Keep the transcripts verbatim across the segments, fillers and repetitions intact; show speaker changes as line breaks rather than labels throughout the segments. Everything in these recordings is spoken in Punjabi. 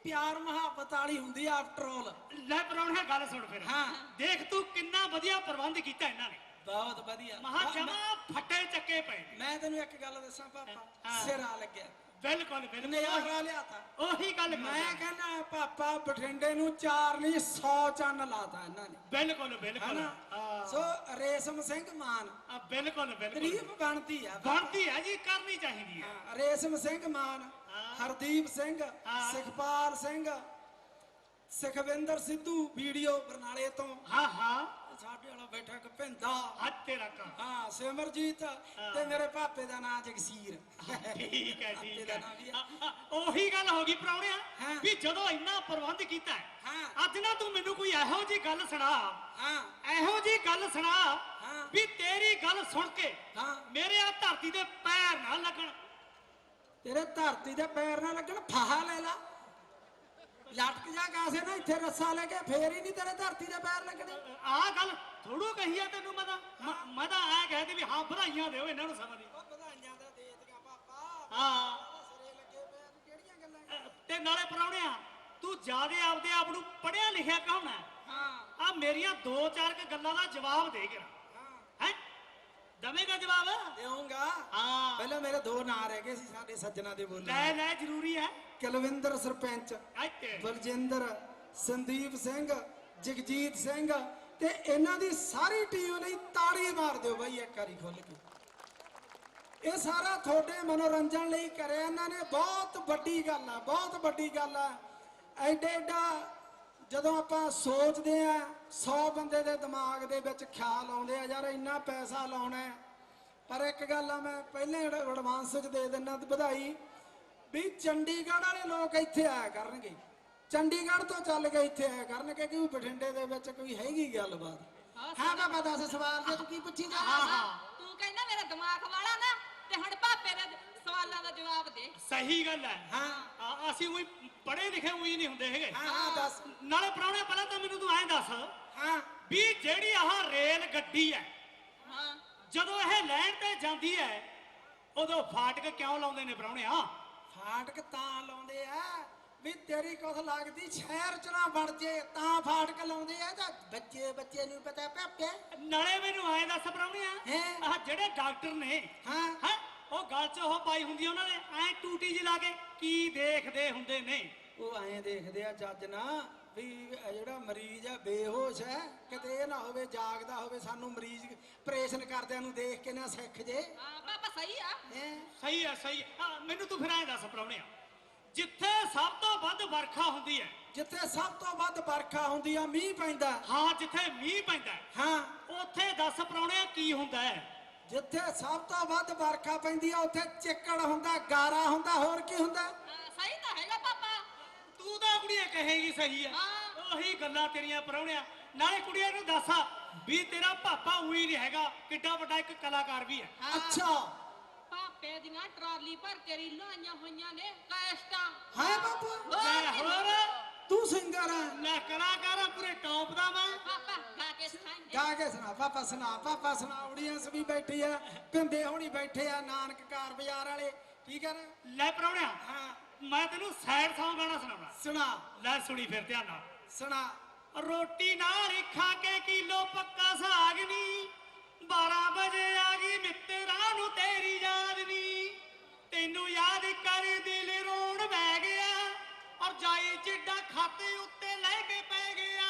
ਪਿਆਰ ਮੁਹੱਬਤ ਵਾਲੀ ਹੁੰਦੀ ਆ ਆਫਟਰ ਆਲ।
ਲੈ ਪਰੌਣਿਆ ਗੱਲ ਸੁਣ ਫਿਰ।
ਹਾਂ
ਦੇਖ ਤੂੰ ਕਿੰਨਾ ਵਧੀਆ ਪ੍ਰਬੰਧ ਕੀਤਾ ਇਹਨਾਂ ਨੇ।
ਬਹੁਤ ਵਧੀਆ।
ਮਹਾ ਜਮਾ ਫੱਟੇ ਚੱਕੇ ਪਏ।
ਮੈਂ ਤੈਨੂੰ ਇੱਕ ਗੱਲ ਦੱਸਾਂ ਪਾਪਾ, ਸਿਰਾ ਲੱਗਿਆ।
ਬਿਲਕੁਲ ਬਿਲਕੁਲ
ਨਜ਼ਾਰਾ ਲਿਆਤਾ।
ਉਹੀ ਗੱਲ
ਮੈਂ ਕਹਿੰਦਾ ਪਾਪਾ ਬਠਿੰਡੇ ਨੂੰ ਚਾਰ ਨਹੀਂ ਸੌ ਚੰਨ ਲਾਤਾ ਇਹਨਾਂ ਨੇ।
ਬਿਲਕੁਲ ਬਿਲਕੁਲ
ਸੋ ਰੇਸ਼ਮ ਸਿੰਘ ਮਾਨ
ਬਿਲਕੁਲ ਬਿਲਕੁਲ
ਤਾਰੀਫ ਬਣਦੀ ਆ,
ਬਣਦੀ ਹੈ ਜੀ, ਕਰਨੀ ਚਾਹੀਦੀ ਹੈ।
ਰੇਸ਼ਮ ਸਿੰਘ ਮਾਨ, ਹਰਦੀਪ ਸਿੰਘ, ਸੁਖਪਾਲ ਸਿੰਘ, ਸੁਖਵਿੰਦਰ ਸਿੱਧੂ ਵੀਡੀਓ ਬਰਨਾਲੇ ਤੋਂ।
ਹਾਂ ਹਾਂ
ਸਾਡੇ ਵਾਲਾ ਬੈਠਾ ਕਪਿੰਦਾ
ਹੱਥ ਤੇਰਾ ਕਾ।
ਹਾਂ ਸਿਮਰਜੀਤ ਤੇ ਮੇਰੇ ਪਾਪੇ ਦਾ ਨਾਂ ਜਗਸੀਰ।
ਠੀਕ ਹੈ ਠੀਕ ਹੈ। ਉਹੀ ਗੱਲ ਹੋ ਗਈ ਪਰੌਣਿਆ ਵੀ ਜਦੋਂ ਇੰਨਾ ਪ੍ਰਬੰਧ ਕੀਤਾ ਅੱਜ ਨਾ ਤੂੰ ਮੈਨੂੰ ਕੋਈ ਇਹੋ ਜੀ ਗੱਲ ਸੁਣਾ। ਹਾਂ ਇਹੋ ਜੀ ਗੱਲ ਸੁਣਾ ਵੀ ਤੇਰੀ ਗੱਲ ਸੁਣ ਕੇ ਮੇਰੇ ਆ ਧਰਤੀ ਦੇ ਪੈਰ ਨਾ ਲੱਗਣ।
ਤੇਰੇ ਧਰਤੀ ਦੇ ਪੈਰ ਨਾ ਲੱਗਣ, ਫਾਹਾ ਲੈ ਲਾ, ਲਟਕ ਜਾ ਕਾਸੇ ਨਾ ਇੱਥੇ ਰੱਸਾ ਲੈ ਕੇ, ਫੇਰ ਹੀ ਨਹੀਂ ਤੇਰੇ ਧਰਤੀ ਦੇ ਪੈਰ ਲੱਗਣੇ।
ਆਹ ਗੱਲ ਥੋੜੂ ਕਹੀ ਆ ਤੈਨੂੰ। ਮੈਂ ਤਾਂ ਮੈਂ ਤਾਂ ਐ ਕਹਿ ਵੀ ਹਾਂ ਵਧਾਈਆਂ ਦਿਓ ਇਹਨਾਂ ਨੂੰ ਸਮਾਂ ਦੀ।
ਵਧਾਈਆਂ ਤਾਂ ਦੇ ਦਿੱਤੀਆਂ ਪਾਪਾ।
ਹਾਂ
ਸਰੇ ਲੱਗੇ ਪਏ ਤੂੰ ਕਿਹੜੀਆਂ ਗੱਲਾਂ।
ਤੇ ਨਾਲੇ ਪਰੌਣਿਆ ਤੂੰ ਜਿਆਦੇ ਆਪਦੇ ਆਪ ਨੂੰ ਪੜਿਆ ਲਿਖਿਆ ਕਹਾਉਣਾ। ਹਾਂ ਆ ਮੇਰੀਆਂ ਦੋ ਚਾਰ ਕ ਗੱਲਾਂ ਦਾ ਜਵਾਬ ਦੇ ਕੇ ਹੈ ਦਵੇਂਗਾ ਜਵਾਬ?
ਦੇਵਾਂਗਾ।
ਹਾਂ
ਪਹਿਲਾਂ ਮੇਰੇ ਦੋ ਨਾਂ ਰਹਿ ਗਏ ਸੀ ਸਾਡੇ ਸੱਜਣਾ ਦੇ ਬੋਲੇ।
ਲੈ ਲੈ ਜ਼ਰੂਰੀ ਹੈ।
ਕੁਲਵਿੰਦਰ ਸਰਪੰਚ, ਬਲਜਿੰਦਰ, ਸੰਦੀਪ ਸਿੰਘ, ਜਗਜੀਤ ਸਿੰਘ ਤੇ ਇਹਨਾਂ ਦੀ ਸਾਰੀ ਟੀਮ ਲਈ ਤਾੜੀ ਮਾਰ ਦਿਓ ਬਾਈ ਇੱਕ ਵਾਰੀ ਖੁੱਲ ਕੇ। ਇਹ ਸਾਰਾ ਤੁਹਾਡੇ ਮਨੋਰੰਜਨ ਲਈ ਕਰਿਆ ਇਹਨਾਂ ਨੇ। ਬਹੁਤ ਵੱਡੀ ਗੱਲ ਆ, ਬਹੁਤ ਵੱਡੀ ਗੱਲ ਆ। ਐਡੇ ਐਡਾ ਜਦੋਂ ਆਪਾਂ ਸੋਚਦੇ ਆ ਸੌ ਬੰਦੇ ਦੇ ਦਿਮਾਗ ਦੇ ਵਿੱਚ ਖਿਆਲ ਆਉਂਦੇ ਆ ਯਾਰ ਇੰਨਾ ਪੈਸਾ ਲਾਉਣਾ। ਪਰ ਇੱਕ ਗੱਲ ਆ ਮੈਂ ਪਹਿਲਾਂ ਐਡਵਾਂਸ ਚ ਦੇ ਦਿੰਦਾ ਵਧਾਈ ਵੀ ਚੰਡੀਗੜ੍ਹ ਵਾਲੇ ਲੋਕ ਇੱਥੇ ਆਇਆ ਕਰਨਗੇ, ਚੰਡੀਗੜ੍ਹ ਤੋਂ ਚੱਲ ਕੇ ਇੱਥੇ ਆਇਆ ਕਰਨਗੇ ਕਿ ਬਠਿੰਡੇ ਦੇ ਵਿੱਚ ਕੋਈ ਹੈਗੀ ਗੱਲਬਾਤ। ਹਾਂ ਬਾਬਾ ਦੱਸ ਸਵਾਲ ਜੇ ਤੂੰ ਕੀ ਪੁੱਛੀ ਜਾ।
ਹਾਂ ਹਾਂ ਤੂੰ ਕਹਿੰਦਾ ਮੇਰਾ ਦਿਮਾਗ ਵਾਲਾ ਨਾ ਤੇ ਹੁਣ ਪਾਪੇ ਦੇ ਸਵਾਲਾਂ ਦਾ ਜਵਾਬ ਦੇ।
ਸਹੀ ਗੱਲ ਹੈ।
ਹਾਂ
ਅਸੀਂ ਉਹੀ ਪੜ੍ਹੇ ਲਿਖੇ ਉਹੀ ਨਹੀਂ ਹੁੰਦੇ ਹੈਗੇ।
ਹਾਂ ਹਾਂ ਦੱਸ।
ਨਾਲੇ ਪਰੌਣੇ ਪਹਿਲਾਂ ਤਾਂ ਮੈਨੂੰ ਤੂੰ ਐਂ ਦੱਸ
ਹਾਂ
ਵੀ ਜਿਹੜੀ ਆਹ ਰੇਲ ਗੱਡੀ ਹੈ
ਹਾਂ
ਜਦੋਂ ਇਹ ਲੈਣ ਤੇ ਜਾਂਦੀ ਹੈ ਉਦੋਂ ਫਾਟਕ ਕਿਉਂ ਲਾਉਂਦੇ ਨੇ ਪਰੌਣਿਆ?
ਫਾਟਕ ਤਾਂ ਲਾਉਂਦੇ ਆ ਵੀ ਤੇਰੀ ਕੁਛ ਲੱਗਦੀ ਸ਼ਹਿਰ ਚ ਨਾ ਵੜ ਜੇ ਤਾਂ ਫਾਟਕ ਲਾਉਂਦੇ ਆ। ਤਾਂ ਬੱਚੇ ਬੱਚੇ ਨੂੰ ਪਤਾ ਪਾਪੇ।
ਨਾਲੇ ਮੈਨੂੰ ਐਂ ਦੱਸ ਪਰੌਣਿਆ ਆਹ ਜਿਹੜੇ ਡਾਕਟਰ ਨੇ
ਹਾਂ
ਹੈ ਉਹ ਗਲ ਚ ਉਹ ਪਾਈ ਹੁੰਦੀ ਉਹਨਾਂ ਨੇ ਐ ਟੂਟੀ ਜਿਹੀ ਲਾ ਕੇ ਕੀ ਦੇਖਦੇ ਹੁੰਦੇ ਨੇ?
ਉਹ ਐਂ ਦੇਖਦੇ ਆ ਜੱਜ ਨਾ ਵੀ ਜਿਹੜਾ ਮਰੀਜ਼ ਆ ਬੇਹੋਸ਼ ਹੈ ਕਿਤੇ ਇਹ ਨਾ ਹੋਵੇ ਜਾਗਦਾ ਹੋਵੇ, ਸਾਨੂੰ ਮਰੀਜ਼ ਆਪਰੇਸ਼ਨ ਕਰਦਿਆਂ ਨੂੰ ਦੇਖ ਕੇ ਨਾ ਸਿੱਖ ਜੇ।
ਹਾਂ ਪਾਪਾ ਸਹੀ ਆ।
ਸਹੀ ਆ ਸਹੀ ਆ। ਮੈਨੂੰ ਤੂੰ ਫਿਰ ਐਂ ਦੱਸ ਪਰੌਣਿਆ ਜਿੱਥੇ ਸਭ ਤੋਂ ਵੱਧ ਵਰਖਾ ਹੁੰਦੀ ਹੈ,
ਜਿੱਥੇ ਸਭ ਤੋਂ ਵੱਧ ਵਰਖਾ ਹੁੰਦੀ ਆ, ਮੀਂਹ ਪੈਂਦਾ।
ਹਾਂ ਜਿੱਥੇ ਮੀਂਹ ਪੈਂਦਾ
ਹਾਂ
ਉੱਥੇ ਦੱਸ ਪਰੌਣਿਆ ਕੀ ਹੁੰਦਾ ਹੈ?
ਜਿੱਥੇ ਸਭ ਤੋਂ ਵੱਧ ਵਰਖਾ ਪੈਂਦੀ ਆ ਉੱਥੇ ਚਿੱਕੜ ਹੁੰਦਾ, ਗਾਰਾ ਹੁੰਦਾ, ਹੋਰ ਕੀ ਹੁੰਦਾ?
ਹਾਂ ਸਹੀ ਤਾਂ ਹੈਗਾ ਪਾਪਾ।
ਤੂੰ ਤਾਂ ਕੁੜੀਏ ਕਹੇਗੀ ਸਹੀ ਆ। ਉਹੀ ਗੱਲਾਂ ਤੇਰੀਆਂ ਪਰੌਣਿਆ। ਨਾਲੇ ਕੁੜੀਆਂ ਨੂੰ ਦੱਸ ਵੀ ਤੇਰਾ ਪਾਪਾ ਉਹੀ ਨਹੀਂ ਹੈਗਾ, ਕਿੱਡਾ ਵੱਡਾ ਇੱਕ ਕਲਾਕਾਰ ਵੀ ਹੈ।
ਅੱਛਾ
ਪਾਪੇ ਦੀਆਂ ਟਰਾਲੀ ਭਰ ਕੇ ਰੀਲਾਂ ਆਈਆਂ ਹੋਈਆਂ ਨੇ ਕੈਸਟਾਂ।
ਹਾਂ ਬਾਪੂ
ਲੈ ਹੋਰ
ਤੂੰ ਸਿੰਗਰ ਆ?
ਲੈ ਕਲਾਕਾਰ ਆ ਪੂਰੇ ਟੌਪ ਦਾ ਮੈਂ।
ਪਾਪਾ ਗਾ ਕੇ ਸੁਣਾਏਂਗੇ।
ਗਾ ਕੇ ਸੁਣਾ ਪਾਪਾ, ਸੁਣਾ ਪਾਪਾ ਸੁਣਾ। ਆਡੀਅנס ਵੀ ਬੈਠੀ ਆ, ਪਿੰਦੇ ਹੋਣੀ ਬੈਠੇ ਆ, ਨਾਨਕ ਕਾਰ ਬਾਜ਼ਾਰ ਵਾਲੇ, ਠੀਕ ਹੈ ਨਾ?
ਲੈ ਪਰੌਣਿਆ
ਹਾਂ
ਮੈਂ ਤੈਨੂੰ ਸੈਡ ਸੌਂਗ ਗਾਣਾ ਸੁਣਾਉਣਾ।
ਸੁਣਾ।
ਲੈ ਸੁਣੀ ਫਿਰ ਧਿਆਨ ਨਾਲ।
ਸੁਣਾ।
ਰੋਟੀ ਨਾਲ ਖਾ ਕੇ ਕਿਲੋ ਪੱਕਾ ਸਾਗ ਨੀ, ਬਾਰਾਂ ਵਜੇ ਆ ਗਈ ਮਿੱਤਰਾਂ ਨੂੰ ਤੇਰੀ ਯਾਦ ਨੀ, ਤੈਨੂੰ ਯਾਦ ਕਰ ਦਿਲ ਰੋਣ ਬਹਿ ਗਿਆ, ਔਰ ਜਾਈ ਜਿੱਡਾ ਖਾਤੇ ਉੱਤੇ ਲੈ ਕੇ ਪੈ ਗਿਆ,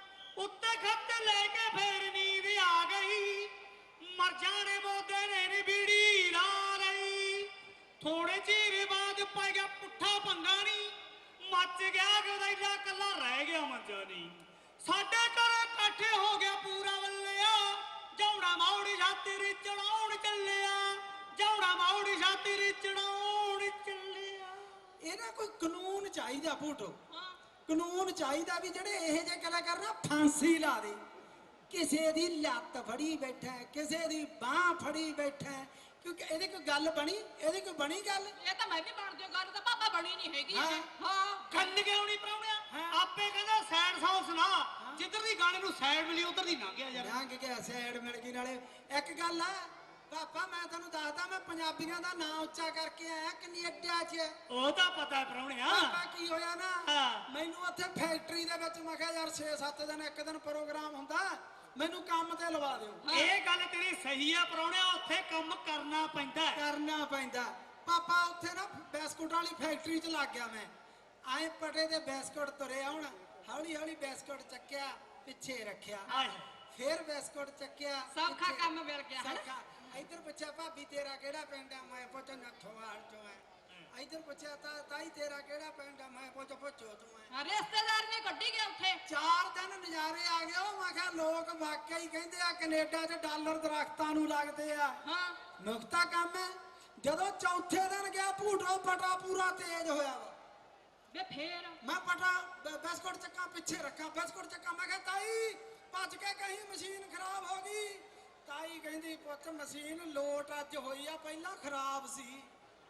ਉੱਤੇ ਖੱਤ ਲੈ ਕੇ ਫੇਰ ਨੀਂਦ ਆ ਗਈ, ਮਰ ਜਾਣੇ ਮੋਦੇ ਨੇ ਨੀ ਬੀੜੀ ਲਾ ਲਈ, ਥੋੜੇ ਚਿਰ ਬਾਅਦ ਪੈ ਗਿਆ ਪੁੱਠਾ ਪੰਗਾ ਨੀ, ਮੱਚ ਗਿਆ ਗਦੈਲਾ ਕੱਲਾ ਰਹਿ ਗਿਆ ਮੰਜਾ ਨੀ, ਸਾਡੇ ਘਰ ਇਕੱਠੇ ਹੋ ਗਿਆ ਪੂਰਾ ਵੱਲਿਆ, ਜੌੜਾ ਮੌੜੀ ਛਾਤੀ ਚੜਾਉਣ ਚੱਲਿਆ, ਜੌੜਾ ਮੌੜੀ ਛਾਤੀ ਚੜਾਉਣ ਚੱਲਿਆ।
ਇਹਦਾ ਕੋਈ ਕਾਨੂੰਨ ਚਾਹੀਦਾ ਫੋਟੋ, ਕਾਨੂੰਨ ਚਾਹੀਦਾ ਵੀ ਜਿਹੜੇ ਇਹ ਜੇ ਕਲਾਕਾਰ ਨਾ ਫਾਂਸੀ ਲਾ ਦੇ। ਕਿਸੇ ਦੀ ਲੱਤ ਫੜੀ ਬੈਠਾ, ਕਿਸੇ ਦੀ ਬਾਹ ਫੜੀ ਬੈਠਾ, ਕਿਉਂਕਿ ਇਹਦੇ ਕੋਈ ਗੱਲ ਬਣੀ, ਇਹਦੀ ਕੋਈ ਬਣੀ ਗੱਲ?
ਇਹ ਤਾਂ ਮੈਂ ਵੀ ਬਣ ਦਿਓ ਗੱਲ, ਤਾਂ ਪਾਪਾ ਬਣੀ ਨਹੀਂ ਹੈਗੀ।
ਹਾਂ ਗੱਲ ਕਿਉਂ ਨਹੀਂ ਪਰਾਉਣਿਆ? ਆਪੇ ਕਹਿੰਦਾ ਸੈਡ ਸੌਂਗ ਸੁਣਾ, ਜਿੱਧਰ ਦੀ ਗਾਣੇ ਨੂੰ ਸੈਡ ਮਿਲੀ ਉਧਰ ਦੀ ਲੰਘ ਗਿਆ ਯਾਰ।
ਲੰਘ ਗਿਆ, ਸੈਡ ਮਿਲ ਗਈ। ਨਾਲੇ ਇੱਕ ਗੱਲ ਆ ਪਾਪਾ ਮੈਂ ਤੁਹਾਨੂੰ ਦੱਸਦਾ ਮੈਂ ਪੰਜਾਬੀਆਂ ਦਾ ਨਾਂ ਉੱਚਾ ਕਰਕੇ ਆਇਆ ਕੈਨੇਡਾ 'ਚ।
ਉਹ ਤਾਂ ਪਤਾ ਪ੍ਰਾਹੁਣਿਆ।
ਪਾਪਾ ਕੀ ਹੋਇਆ ਨਾ
ਹਾਂ।
ਮੈਨੂੰ ਉੱਥੇ ਫੈਕਟਰੀ ਦੇ ਵਿੱਚ ਮੈਂ ਕਿਹਾ ਯਾਰ ਛੇ ਸੱਤ ਦਿਨ ਇੱਕ ਦਿਨ ਪ੍ਰੋਗਰਾਮ ਹੁੰਦਾ ਮੈਨੂੰ ਕੰਮ ਤੇ ਲਵਾ ਦਿਓ।
ਇਹ ਗੱਲ ਤੇਰੀ ਸਹੀ ਆ ਪ੍ਰਾਹੁਣਿਆ, ਉੱਥੇ ਕੰਮ ਕਰਨਾ ਪੈਂਦਾ ਹੈ।
ਕਰਨਾ ਪੈਂਦਾ। ਪਾਪਾ ਉੱਥੇ ਨਾ ਬਿਸਕੁਟ ਵਾਲੀ ਫੈਕਟਰੀ 'ਚ ਲੱਗ ਗਿਆ ਮੈਂ। ਐਂ ਪਟੇ ਦੇ ਬਿਸਕੁਟ ਤੁਰੇ ਆਉਣ, ਹੌਲੀ ਹੌਲੀ ਬਿਸਕੁਟ ਚੱਕਿਆ ਪਿੱਛੇ ਰੱਖਿਆ,
ਆਏ
ਫੇਰ ਬਿਸਕੁਟ ਚੱਕਿਆ
ਸੌਖਾ
ਪਿੱਛੇ-
ਕੰਮ ਮਿਲ ਗਿਆ ਹਨਾ?
ਸੌਖਾ। ਇੱਧਰ ਪੁੱਛਿਆ ਭਾਬੀ ਤੇਰਾ ਕਿਹੜਾ ਪਿੰਡ ਆ, ਮੈਂ ਪੁੱਛ ਨੱਥੋਵਾਲ ਚੋਂ ਆ। ਇੱਧਰ ਪੁੱਛਿਆ ਤਾਂ ਤਾਈ ਤੇਰਾ ਕਿਹੜਾ ਪਿੰਡ ਆ, ਮੈਂ ਪੁੱਛ ਪੁੱਛੋ ਤੂੰ ਆ।
ਹਾਂ, ਰਿਸ਼ਤੇਦਾਰ ਨੇ ਕੱਢੀ ਗਿਆ ਉੱਥੇ।
ਚਾਰ ਦਿਨ ਨਜ਼ਾਰੇ ਆ ਗਏ। ਉਹ ਮੈਂ ਕਿਹਾ ਲੋਕ ਵਾਕਿਆ ਹੀ ਕਹਿੰਦੇ ਆ ਕੈਨੇਡਾ 'ਚ ਡਾਲਰ ਦਰਖਤਾਂ ਨੂੰ ਲੱਗਦੇ ਆ।
ਹਾਂ
ਨੁਕਤਾ ਕੰਮ ਹੈ। ਜਦੋਂ ਚੌਥੇ ਦਿਨ ਗਿਆ ਭੂਟੋ ਪਟਾ ਪੂਰਾ ਤੇਜ਼ ਹੋਇਆ ਵਾ।
ਵੇ ਫੇਰ
ਮੈਂ ਪਟਾ ਬ- ਬਿਸਕੁਟ ਚੱਕਾਂ ਪਿੱਛੇ ਰੱਖਾਂ, ਬਿਸਕੁਟ ਚੱਕਾਂ। ਮੈਂ ਕਿਹਾ ਤਾਈ ਭੱਜ ਕੇ ਕਹੀਂ ਮਸ਼ੀਨ ਖਰਾਬ ਹੋ ਗਈ। ਤਾਈ ਕਹਿੰਦੀ ਪੁੱਤ ਮਸ਼ੀਨ ਲੋਟ ਅੱਜ ਹੋਈ ਆ, ਪਹਿਲਾਂ ਖਰਾਬ ਸੀ।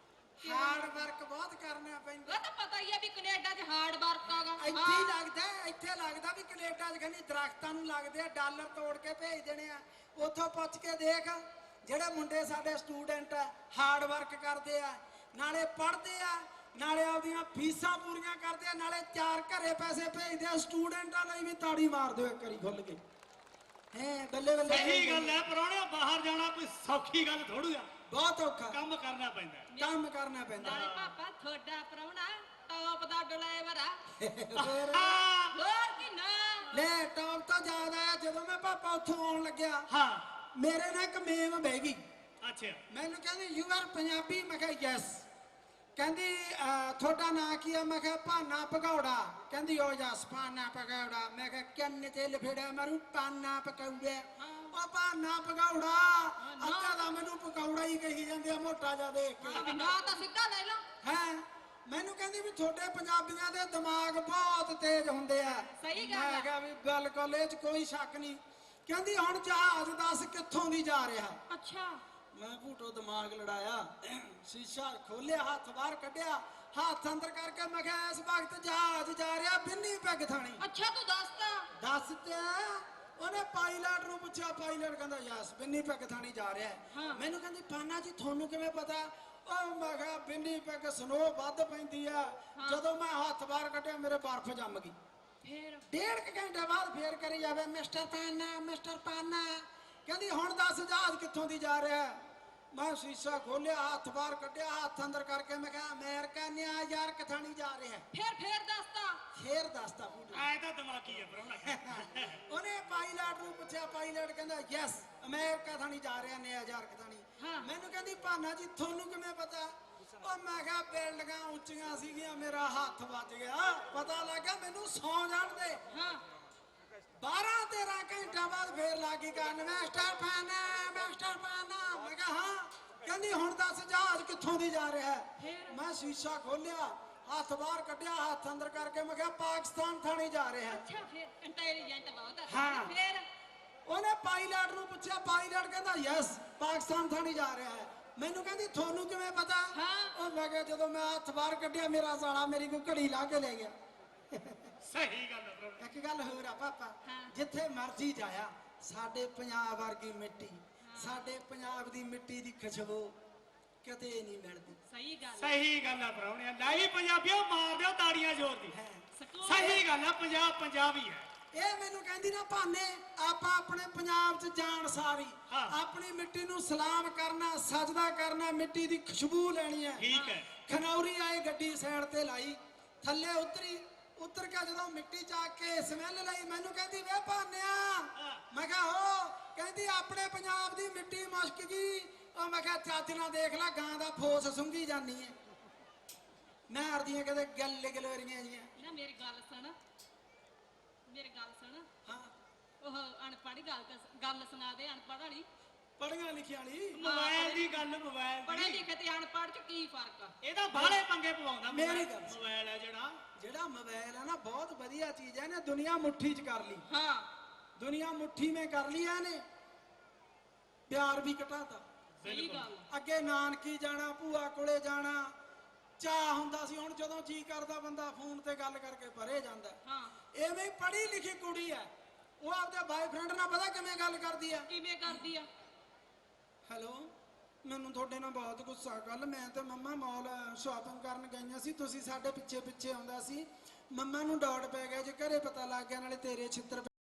ਹਾਰਡ ਵਰਕ ਬਹੁਤ ਕਰਨਾ ਪੈਂਦਾ।
ਉਹ ਤਾਂ ਪਤਾ ਹੀ ਆ ਵੀ ਕੈਨੇਡਾ 'ਚ ਹਾਰਡ ਵਰਕ ਆਗਾ।
ਇੱਥੇ ਹੀ ਲੱਗਦਾ ਹੈ, ਇੱਥੇ ਲੱਗਦਾ ਵੀ ਕੈਨੇਡਾ 'ਚ ਕਹਿੰਦੀ ਦਰਖਤਾਂ ਨੂੰ ਲੱਗਦੇ ਆ, ਡਾਲਰ ਤੋੜ ਕੇ ਭੇਜ ਦੇਣੇ ਆ। ਉੱਥੋਂ ਪੁੱਛ ਕੇ ਦੇਖ ਜਿਹੜੇ ਮੁੰਡੇ ਸਾਡੇ ਸਟੂਡੈਂਟ ਆ ਹਾਰਡ ਵਰਕ ਕਰਦੇ ਆ, ਨਾਲੇ ਪੜ੍ਹਦੇ ਆ, ਨਾਲੇ ਆਪਦੀਆਂ ਫੀਸਾਂ ਪੂਰੀਆਂ ਕਰਦੇ ਆ, ਨਾਲੇ ਚਾਰ ਘਰੇ ਪੈਸੇ ਭੇਜਦੇ ਆ। ਸਟੂਡੈਂਟਾਂ ਲਈ ਵੀ ਤਾੜੀ ਮਾਰ ਦਿਓ ਇੱਕ ਵਾਰੀ ਖੁੱਲ ਕੇ। ਹੈ ਬੱਲੇ ਬੱਲੇ।
ਸਹੀ ਗੱਲ ਹੈ ਪ੍ਰਾਹੁਣਿਆ, ਬਾਹਰ ਜਾਣਾ ਕੋਈ ਸੌਖੀ ਗੱਲ ਥੋੜੂ ਆ,
ਬਹੁਤ ਔਖਾ
ਕੰਮ ਕਰਨਾ ਪੈਂਦਾ ਹੈ।
ਕੰਮ ਕਰਨਾ ਪੈਂਦਾ।
ਨਾਲੇ ਪਾਪਾ ਤੁਹਾਡਾ ਪ੍ਰਾਹੁਣਾ ਟੌਪ ਦਾ ਡਰਾਈਵਰ ਆ।
ਫਿਰ
ਹਾਂ
ਹੋਰ ਕੀ ਨਾ।
ਲੈ ਟੌਪ ਤਾਂ ਯਾਦ ਆਇਆ ਜਦੋਂ ਮੈਂ ਪਾਪਾ ਉੱਥੋਂ ਆਉਣ ਲੱਗਿਆ,
ਹਾਂ
ਮੇਰੇ ਨਾਲ ਇੱਕ ਮੇਮ ਬਹਿ ਗਈ।
ਅੱਛਾ
ਮੈਨੂੰ ਕਹਿੰਦੀ ਯੂ ਆਰ ਪੰਜਾਬੀ। ਮੈਂ ਕਿਹਾ ਯੈਸ। ਕਹਿੰਦੀ ਅਹ, ਤੁਹਾਡਾ ਨਾਂ ਕੀ ਆ? ਮੈਂ ਕਿਹਾ ਭਾਨਾ ਭਗੌੜਾ। ਕਹਿੰਦੀ ਓ ਜਸ ਭਾਨਾ ਭਗੌੜਾ। ਮੈਂ ਕਿਹਾ ਕੰਨ ਤੇ ਲਫੇੜਾ ਮਾਰੂ ਪਾਨਾ ਪਕੌੜਾ। ਉਹ ਭਾਨਾ ਭਗੌੜਾ ਅੱਧਾ ਦਾ ਮੈਨੂੰ ਪਕੌੜਾ ਹੀ ਕਹੀ ਜਾਂਦੇ ਆ ਮੋਟਾ ਜਿਹਾ ਦੇਖ ਕੇ।
ਵੀ ਨਾ ਤਾਂ ਸਿੱਧਾ ਲੈ ਲਓ।
ਹੈ ਮੈਨੂੰ ਕਹਿੰਦੀ ਵੀ ਤੁਹਾਡੇ ਪੰਜਾਬੀਆਂ ਦੇ ਦਿਮਾਗ ਬਹੁਤ ਤੇਜ਼ ਹੁੰਦੇ ਆ।
ਸਹੀ ਗੱਲ ਆ।
ਮੈਂ ਕਿਹਾ ਵੀ ਬਿਲਕੁਲ ਇਹ 'ਚ ਕੋਈ ਸ਼ੱਕ ਨਹੀਂ। ਕਹਿੰਦੀ ਹੁਣ ਜਹਾਜ਼ ਦੱਸ ਕਿੱਥੋਂ ਦੀ ਜਾ ਰਿਹਾ।
ਅੱਛਾ
ਮੈਂ ਭੂਟੋ ਦਿਮਾਗ ਲੜਾਇਆ, ਸ਼ੀਸ਼ਾ ਖੋਲਿਆ, ਹੱਥ ਬਾਹਰ ਕੱਢਿਆ, ਹੱਥ ਅੰਦਰ ਕਰਕੇ ਮੈਂ ਕਿਹਾ ਇਸ ਵਕਤ ਜਹਾਜ਼ ਜਾ ਰਿਹਾ ਬਿੰਨੀ ਪੈਗ ਥਾਣੀ।
ਅੱਛਾ ਤੂੰ ਦੱਸਦਾ।
ਦੱਸ ਤੇ ਉਹਨੇ ਪਾਇਲਟ ਨੂੰ ਪੁੱਛਿਆ, ਪਾਇਲਟ ਕਹਿੰਦਾ ਯਸ ਬਿੰਨੀ ਪੈਗ ਥਾਣੀ ਜਾ ਰਿਹਾ ਹੈ।
ਹਾਂ।
ਮੈਨੂੰ ਕਹਿੰਦੀ ਪਾਨਾ ਜੀ ਤੁਹਾਨੂੰ ਕਿਵੇਂ ਪਤਾ? ਉਹ ਮੈਂ ਕਿਹਾ ਬਿੰਨੀ ਪੈਗ ਸਨੋ ਵੱਧ ਪੈਂਦੀ ਆ। ਜਦੋਂ ਮੈਂ ਹੱਥ ਬਾਹਰ ਕੱਢਿਆ ਮੇਰੇ ਬਰਫ਼ ਜੰਮ ਗਈ।
ਫੇਰ
ਡੇਢ ਕੁ ਘੰਟੇ ਬਾਅਦ ਫੇਰ ਕਰੀ ਜਾਵੇ ਮਿਸਟਰ ਪਾਨਾ ਮਿਸਟਰ ਪਾਨਾ। ਕਹਿੰਦੀ ਹੁਣ ਦੱਸ ਜਹਾਜ਼ ਕਿੱਥੋਂ ਦੀ ਜਾ ਰਿਹਾ? ਮੈਂ ਸ਼ੀਸ਼ਾ ਖੋਲਿਆ, ਹੱਥ ਬਾਹਰ ਕੱਢਿਆ, ਹੱਥ ਅੰਦਰ ਕਰਕੇ ਮੈਂ ਕਿਹਾ ਅਮਰੀਕਾ ਨਿਊਯਾਰਕ ਥਾਣੀ ਜਾ ਰਿਹਾ।
ਫੇਰ ਫੇਰ ਦੱਸਦਾ।
ਫੇਰ ਦੱਸਦਾ ਭੂਟੋ।
ਐ ਤਾਂ ਦਿਮਾਗੀ ਹੈ ਪ੍ਰਾਹੁਣਾ।
ਉਹਨੇ ਪਾਇਲਟ ਨੂੰ ਪੁੱਛਿਆ, ਪਾਇਲਟ ਕਹਿੰਦਾ ਯੈਸ ਅਮਰੀਕਾ ਥਾਣੀ ਜਾ ਰਿਹਾ, ਨਿਊਯਾਰਕ ਥਾਣੀ।
ਹਾਂ।
ਮੈਨੂੰ ਕਹਿੰਦੀ ਭਾਨਾ ਜੀ ਤੁਹਾਨੂੰ ਕਿਵੇਂ ਪਤਾ? ਉਹ ਮੈਂ ਕਿਹਾ ਬਿਲਡਿੰਗਾਂ ਉੱਚੀਆਂ ਸੀਗੀਆਂ, ਮੇਰਾ ਹੱਥ ਵੱਜ ਗਿਆ, ਪਤਾ ਲੱਗਾ ਮੈਨੂੰ ਸੌਂ ਜਾਣ ਦੇ।
ਹਾਂ
ਬਾਰਾਂ ਤੇਰਾਂ ਘੰਟਾ ਬਾਅਦ ਫੇਰ ਲੱਗੀ ਕਰਨ ਮਾਸਟਰ ਪਾਨਾ ਮਾਸਟਰ ਪਾਨਾ। ਮੈਂ ਕਿਹਾ ਹਾਂ। ਕਹਿੰਦੀ ਹੁਣ ਦੱਸ ਜਹਾਜ਼ ਕਿੱਥੋਂ ਦੀ ਜਾ ਰਿਹਾ ਹੈ?
ਫੇਰ?
ਮੈਂ ਸ਼ੀਸ਼ਾ ਖੋਲਿਆ, ਹੱਥ ਬਾਹਰ ਕੱਢਿਆ, ਹੱਥ ਅੰਦਰ ਕਰਕੇ ਮੈਂ ਕਿਹਾ ਪਾਕਿਸਤਾਨ ਥਾਣੀ ਜਾ ਰਿਹਾ ਹੈ।
ਅੱਛਾ ਫੇਰ ਇੰਟੈਲੀਜੈਂਟ ਬਹੁਤ ਆ।
ਹਾਂ।
ਫੇਰ
ਉਹਨੇ ਪਾਇਲਟ ਨੂੰ ਪੁੱਛਿਆ, ਪਾਇਲਟ ਕਹਿੰਦਾ ਯੈਸ ਪਾਕਿਸਤਾਨ ਥਾਣੀ ਜਾ ਰਿਹਾ ਹੈ। ਮੈਨੂੰ ਕਹਿੰਦੀ ਤੁਹਾਨੂੰ ਕਿਵੇਂ ਪਤਾ?
ਹਾਂ।
ਉਹ ਮੈਂ ਕਿਹਾ ਜਦੋਂ ਮੈਂ ਹੱਥ ਬਾਹਰ ਕੱਢਿਆ ਮੇਰਾ ਸਾਲਾ ਮੇਰੀ ਕੋਈ ਘੜੀ ਲਾ ਕੇ ਲੈ ਗਿਆ।
ਸਹੀ ਗੱਲ ਹੈ ਪ੍ਰਾਹੁਣਾ।
ਇੱਕ ਗੱਲ ਹੋਰ ਆ ਪਾਪਾ,
ਹਾਂ।
ਜਿੱਥੇ ਮਰਜ਼ੀ ਜਾਇਆ ਸਾਡੇ ਪੰਜਾਬ ਵਰਗੀ ਮਿੱਟੀ, ਸਾਡੇ ਪੰਜਾਬ ਦੀ ਮਿੱਟੀ ਦੀ ਖੁਸ਼ਬੂ ਕਿਤੇ ਨਹੀਂ ਮਿਲਦੀ।
ਸਹੀ ਗੱਲ ਆ।
ਸਹੀ ਗੱਲ ਹੈ ਪ੍ਰਾਹੁਣਿਆ। ਨਹੀਂ ਪੰਜਾਬੀਓ ਮਾਰ ਦਿਓ ਤਾੜੀਆਂ ਜ਼ੋਰ ਦੀ।
ਹੈ
ਸਕੂਲ
ਸਹੀ ਗੱਲ ਹੈ, ਪੰਜਾਬ ਪੰਜਾਬ ਹੀ ਹੈ।
ਇਹ ਮੈਨੂੰ ਕਹਿੰਦੀ ਨਾ ਭਾਨੇ ਆਪਾਂ ਆਪਣੇ ਪੰਜਾਬ 'ਚ ਜਾਣ ਸਾਰੀ
ਹਾਂ।
ਆਪਣੀ ਮਿੱਟੀ ਨੂੰ ਸਲਾਮ ਕਰਨਾ, ਸਜਦਾ ਕਰਨਾ, ਮਿੱਟੀ ਦੀ ਖੁਸ਼ਬੂ ਲੈਣੀ ਹੈ।
ਠੀਕ ਹੈ।
ਖਨੌਰੀ ਆਏ, ਗੱਡੀ ਸਾਈਡ ਤੇ ਲਾਈ, ਥੱਲੇ ਉਤਰੀ, ਉਤਰ ਕੇ ਜਦੋਂ ਮਿੱਟੀ ਚ ਆ ਕੇ ਸਮੈਲ ਲਈ ਮੈਨੂੰ ਕਹਿੰਦੀ ਵੇ ਭਾਨਿਆ। ਮੈਂ ਕਿਹਾ ਹੋ। ਕਹਿੰਦੀ ਆਪਣੇ ਪੰਜਾਬ ਦੀ ਮਿੱਟੀ ਮੁਸ਼ਕ ਗਈ। ਉਹ ਮੈਂ ਕਿਹਾ ਚੱਜ ਨਾਲ ਦੇਖ ਲੈ ਗਾਂ ਦਾ ਫੋਸ ਸੁੰਘੀ ਜਾਂਦੀ ਹੈ। ਮਾਰਦੀਆਂ ਕਦੇ ਗੱਲ ਗਲੋਰੀਆਂ ਜੀਆਂ।
ਨਾ ਮੇਰੀ ਗੱਲ ਸੁਣ, ਮੇਰੀ ਗੱਲ ਸੁਣ।
ਹਾਂ
ਉਹ ਅਨਪੜ੍ਹ ਗੱਲ ਗੱਲ ਸੁਣਾ ਦੇ ਅਨਪੜ੍ਹ ਵਾਲੀ।
ਪੜੀਆਂ ਲਿਖੀਆਂ ਵਾਲੀ।
ਮੋਬਾਈਲ ਦੀ ਗੱਲ, ਮੋਬਾਈਲ
ਪੜ੍ਹੇ
ਦੀ।
ਲਿਖੇ ਤੇ ਅਨਪੜ੍ਹ ਚ ਕੀ ਫਰਕ ਆ?
ਇਹਦਾ ਬਾਹਲੇ ਪੰਗੇ ਪਵਾਉਂਦਾ
ਮੇਰੀ ਗੱਲ ਸੁਣ।
ਮੋਬਾਈਲ ਹੈ ਜਿਹੜਾ
ਜਿਹੜਾ ਮੋਬਾਈਲ ਹੈ ਨਾ ਬਹੁਤ ਵਧੀਆ ਚੀਜ਼ ਹੈ। ਇਹਨੇ ਦੁਨੀਆ ਮੁੱਠੀ 'ਚ ਕਰ ਲਈ।
ਹਾਂ
ਦੁਨੀਆ ਮੁੱਠੀ ਮੇ ਕਰ ਲਿਆ ਨੇ, ਪਿਆਰ ਵੀ ਘਟਾਤਾ।
ਸਹੀ ਗੱਲ ਆ।
ਅੱਗੇ ਨਾਨਕੀ ਜਾਣਾ, ਭੂਆ ਕੋਲੇ ਜਾਣਾ ਚਾਹ ਹੁੰਦਾ ਸੀ। ਹੁਣ ਜਦੋਂ ਜੀ ਕਰਦਾ ਬੰਦਾ ਫੋਨ ਤੇ ਗੱਲ ਕਰਕੇ ਪਰੇ ਜਾਂਦਾ।
ਹਾਂ
ਐਵੇਂ ਪੜ੍ਹੀ ਲਿਖੀ ਕੁੜੀ ਹੈ, ਉਹ ਆਪਦੇ ਬਾਏਫ੍ਰੈਂਡ ਨਾਲ ਪਤਾ ਕਿਵੇਂ ਗੱਲ ਕਰਦੀ ਆ?
ਕਿਵੇਂ ਕਰਦੀ ਆ?
ਹੈਲੋ ਮੈਨੂੰ ਤੁਹਾਡੇ ਨਾਲ ਬਹੁਤ ਗੁੱਸਾ। ਕੱਲ ਮੈਂ ਤੇ ਮੰਮਾ ਮਾਲ ਸ਼ਾਪਿੰਗ ਕਰਨ ਗਈਆਂ ਸੀ, ਤੁਸੀਂ ਸਾਡੇ ਪਿੱਛੇ ਪਿੱਛੇ ਆਉਂਦਾ ਸੀ। ਮੰਮਾ ਨੂੰ ਡਾਟ ਪੈ ਗਿਆ, ਜੇ ਘਰੇ ਪਤਾ ਲੱਗ ਗਿਆ ਨਾਲੇ ਤੇਰੇ ਛਿੱਤਰ